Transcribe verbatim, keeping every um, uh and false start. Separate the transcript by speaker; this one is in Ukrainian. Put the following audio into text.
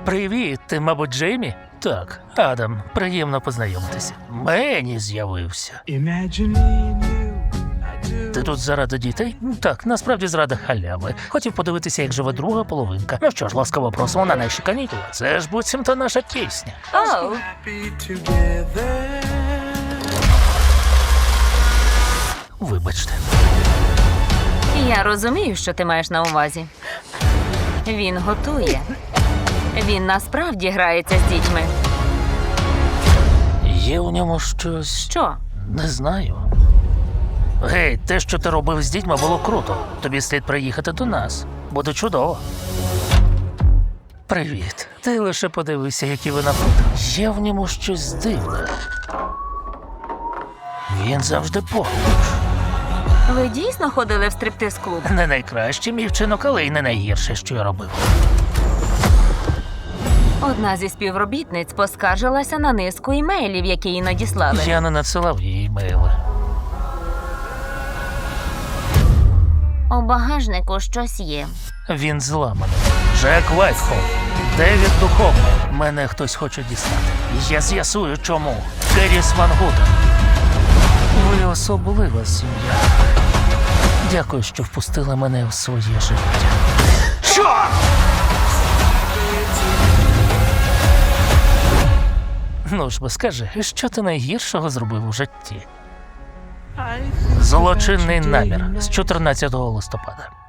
Speaker 1: Привіт, ти, мабуть, Джеймі? Так, Адам, приємно познайомитися. Мені з'явився. Ти тут заради дітей? Так, насправді заради халяви. Хотів подивитися, як живе друга половинка. Ну що ж, ласкаво просимо на наші канікули. Це ж буцімто наша пісня.
Speaker 2: Оу,
Speaker 1: Вибачте.
Speaker 2: я розумію, що ти маєш на увазі. Він готує. Він насправді грається з дітьми.
Speaker 1: Є у ньому щось.
Speaker 2: Що?
Speaker 1: Не знаю. Гей, те, що ти робив з дітьми, було круто. Тобі слід приїхати до нас. Буде чудово. Привіт. Ти лише подивися, які ви напроти. Є в ньому щось дивне. Він завжди поруч.
Speaker 2: Ви дійсно ходили в стриптиз-клуб?
Speaker 1: Не найкращий мій вчинок, але й не найгірше, що я робив.
Speaker 2: Одна зі співробітниць поскаржилася на низку імейлів, які їй надіслали.
Speaker 1: Я не надсилав їй імейли.
Speaker 2: У багажнику щось є.
Speaker 1: Він зламаний. Джек Вайтхол. Девід Духовний. Мене хтось хоче дістати. Я з'ясую, чому. Керіс Ван Гутен. Ви особлива сім'я. Дякую, що впустили мене в своє життя. Що? Ну ж бо скажи, що ти найгіршого зробив у житті? Злочинний намір з чотирнадцятого листопада.